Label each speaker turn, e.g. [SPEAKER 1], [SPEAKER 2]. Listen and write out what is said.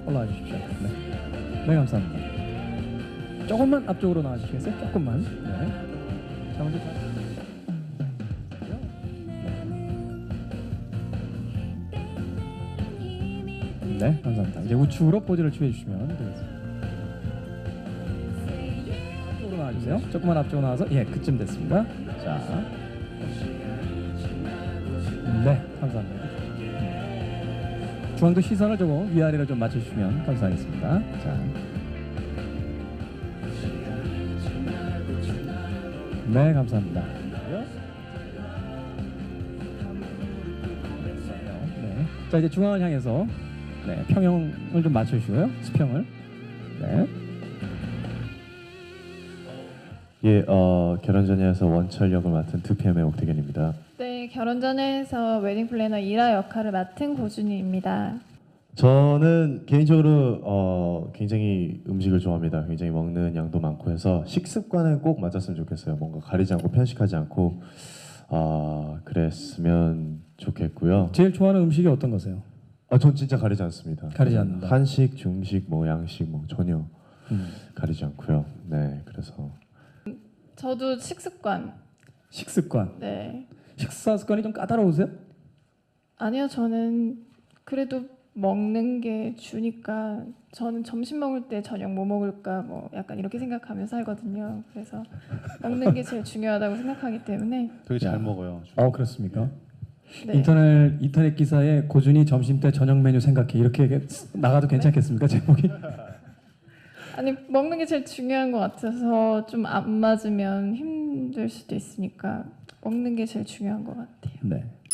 [SPEAKER 1] 올라와 주십시오. 네, 네 감사합니다. 조금만 앞쪽으로 나와주시겠어요? 조금만. 네. 자 먼저 네 감사합니다. 이제 우측으로 포즈를 취해 주시면 되겠습니다. 앞쪽으로 나와주세요. 조금만 앞쪽으로 나와서 예 그쯤 됐습니다. 자, 네 감사합니다. 중앙도 시선을 조금 위아래로 좀 맞춰주시면 감사하겠습니다. 자, 네 감사합니다. 네. 자 이제 중앙을 향해서 네, 평형을 좀 맞춰주시고요. 수평을. 네.
[SPEAKER 2] 예, 결혼전야에서 원철 역을 맡은 2PM의 옥태견입니다.
[SPEAKER 3] 네, 결혼전에서 웨딩 플래너 이라 역할을 맡은 고준희입니다.
[SPEAKER 2] 저는 개인적으로 굉장히 음식을 좋아합니다. 굉장히 먹는 양도 많고 해서 식습관은 꼭 맞았으면 좋겠어요. 뭔가 가리지 않고 편식하지 않고 그랬으면 좋겠고요.
[SPEAKER 1] 제일 좋아하는 음식이 어떤 거세요?
[SPEAKER 2] 전 진짜 가리지 않습니다.
[SPEAKER 1] 가리지 않는다.
[SPEAKER 2] 한식, 중식, 뭐 양식 뭐 전혀 가리지 않고요. 네, 그래서
[SPEAKER 3] 저도 식습관.
[SPEAKER 1] 식습관.
[SPEAKER 3] 네.
[SPEAKER 1] 식사 습관이 좀 까다로우세요?
[SPEAKER 3] 아니요, 저는 그래도 먹는 게 주니까 저는 점심 먹을 때 저녁 뭐 먹을까 뭐 약간 이렇게 생각하며 살거든요. 그래서 먹는 게 제일 중요하다고 생각하기 때문에.
[SPEAKER 4] 되게 잘 먹어요.
[SPEAKER 1] 그렇습니까?
[SPEAKER 3] 네.
[SPEAKER 1] 인터넷 기사에 고준이 점심 때 저녁 메뉴 생각해 이렇게 나가도 괜찮겠습니까? 제목이?
[SPEAKER 3] 아니 먹는 게 제일 중요한 것 같아서 좀 안 맞으면 힘들 수도 있으니까 먹는 게 제일 중요한 것 같아요.
[SPEAKER 1] 네.